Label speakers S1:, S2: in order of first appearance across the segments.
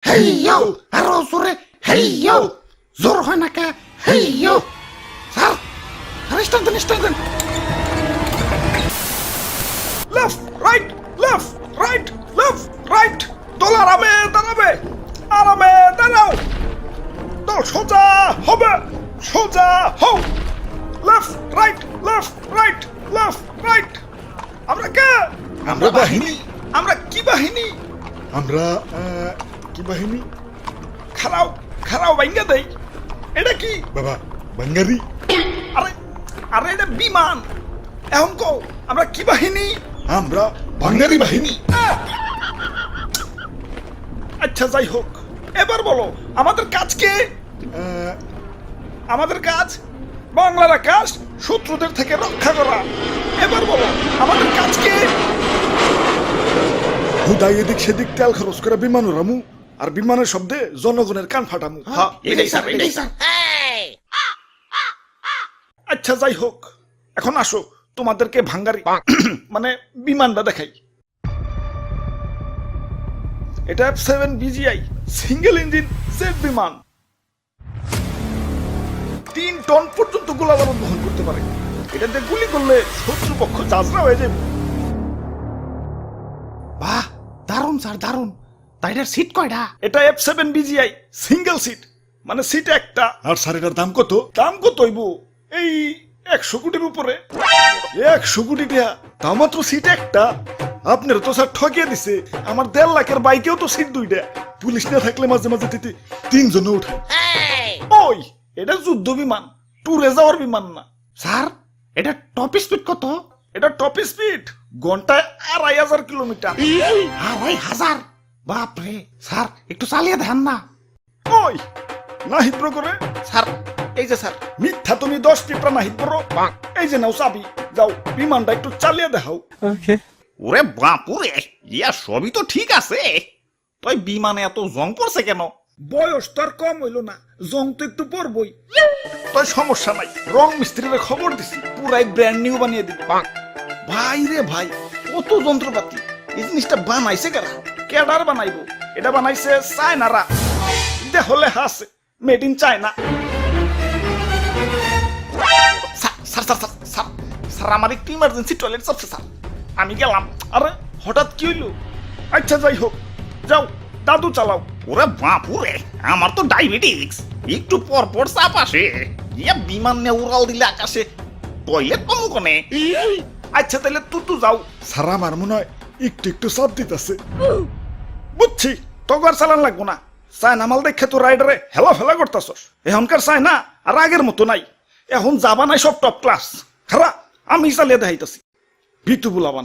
S1: হেইয়ো আরো জোরে হেইয়ো জোর হয় না কে হেইয়ো স্যার স্টার্ট দেন
S2: লেফট রাইট দল আরামে দাঁড়াও দল সোজা হবে সোজা হও লেফট রাইট আমরা কে
S3: আমরা বাহিনী
S2: আমরা কি বাহিনী
S3: আমরা কি বাহিনী
S2: খারাও ভাঙ্গা দেই এটা কি
S3: বাবা বাঙ্গারি
S2: আরে আরে এটা বিমান এখন কও আমরা কি বাহিনী
S3: আমরা বাঙ্গারি বাহিনী
S2: আচ্ছা যাই হোক এবার বলো আমাদের কাজ কে আমাদের কাজ বাংলার আকাশ শত্রুদের থেকে রক্ষা করা এবার বলো আমাদের কাজ কে
S3: হুদাই এদিক সেদিক তেল খরচ করে বিমান উড়ামু আর বিমানের শব্দে জনগণের কান ফাটামু
S2: হ্যাঁ,
S1: এটাই স্যার
S2: আচ্ছা যাই হোক এখন আসো তোমাদেরকে ভাঙ্গারি মানে বিমানটা দেখাই এটা F7 BGI single engine jet বিমান 3 টন পর্যন্ত গোলাবারুদ বহন করতে পারে এটাতে গুলি করলে শত্রুপক্ষ চাজরা হয়ে যাবে
S1: বাহ দারুন স্যার দারুন তাইটার সিট কয়টা
S2: এটা F7 BGI সিঙ্গেল সিট মানে সিট একটা
S3: আর স্যার এটার দাম কত
S2: দাম কত হইব এই 100 কোটির উপরে
S3: 100 কোটি টাকা তাও মাত্র সিট একটা আপনার তো স্যার ঠকিয়ে দিছে আমার 1.5 লাখের বাইকেও তো সিট দুইটা পুলিশ না থাকলে মাঝে মাঝে তিতে 3 জন উঠে
S2: ওই এটা যুদ্ধ বিমান ট্যুরে যাওয়ার বিমান না
S1: স্যার এটা টপ স্পিড কত
S2: এটা টপ স্পিড ঘন্টায় 2500 কিলোমিটার
S1: 2500 বাপরে স্যার একটু চালিয়ে দেন না
S2: ওই না হিব্র করে
S1: স্যার এই যে স্যার
S2: মিথ্যা তুমি 10 টিপরা না হিব্র এই যে নাও চাবি যাও বিমানটা একটু চালিয়ে দেখাও
S4: ওরে বাপুরে ইয়া সবই তো ঠিক আছে তুই বিমানে এত জং পড়ছে কেন
S2: বয়স তো আর কম হইল না জং তো একটু পড়বই তাই সমস্যা নাই রং মিস্ত্রিরে খবর দিছি পুরাই ব্র্যান্ড নিউ বানিয়ে দিবে ভাই রে ভাই কত যন্ত্রপাতি এই জিনিসটা বানাইছে কারা কেডার বানাইবো এটা বানাইছে চায়নারা দেহলে হাসে মেড ইন চায়না স্যার আমার একটু ইমার্জেন্সি টয়লেট চাপছে স্যার আমি গেলাম আরে হঠাৎ কি হইলো আচ্ছা যাই হোক যাও দাদু চালাও
S4: ওরে বাপুরে আমার তো ডায়াবেটিস একটু পর পর চাপ আসে ইয়া বিমান নিয়ে উড়াল দিলে আকাশে টয়লেট পাবো কোনে
S2: আচ্ছা তাহলে তুই যাও
S3: স্যার আমার মনে হয় একটু একটু চাপ দিতেছে
S2: বুঝছি তোকে আর চালান লাগবো না চায়না মাল দেখে তো রাইডারে হেলা ফেলা করতেছস এখনকার চায়না আর আগের মতো নাই এখন যাবা নাই সব টপ ক্লাস খারা আমি চালিয়ে দেখাইতেছি ভিতু বুলাবান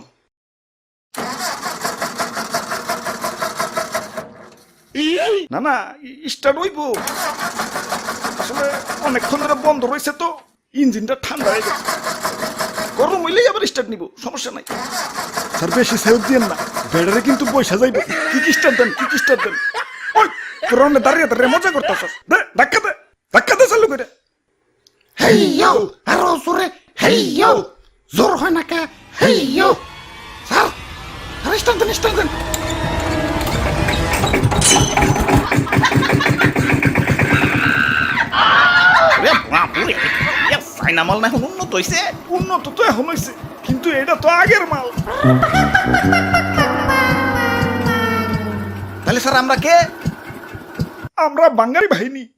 S2: না না স্টার্ট হইব আসলে অনেকক্ষণ ধরে বন্ধ রয়েছে তো ইঞ্জিনটা ঠান্ডা হয়ে গেছে গরম হইলেই আবার স্টার্ট নিব সমস্যা নাই
S3: স্যার বেশি সেভ দিয়েন না ব্যাটারি কিন্তু পয়সা যাইবে
S2: কি স্টার্ট দেন ওই পুরনো দাঁড়িয়ে মজা করতেছস দে ধাক্কা দে চালু করে
S1: হেইয়ো আরো জোরে হেইয়ো জোর হয় না কে হেইয়ো স্যার স্টার্ট দেন
S4: ওরে বাপুরে ইয়া চাইনা মাল না এখন উন্নত হইছে
S2: উন্নত তো এখন হয়েছে কিন্তু এটা তো আগের মাল
S4: তাহলে স্যার আমরা কে
S2: আমরা বাঙালি বাহিনী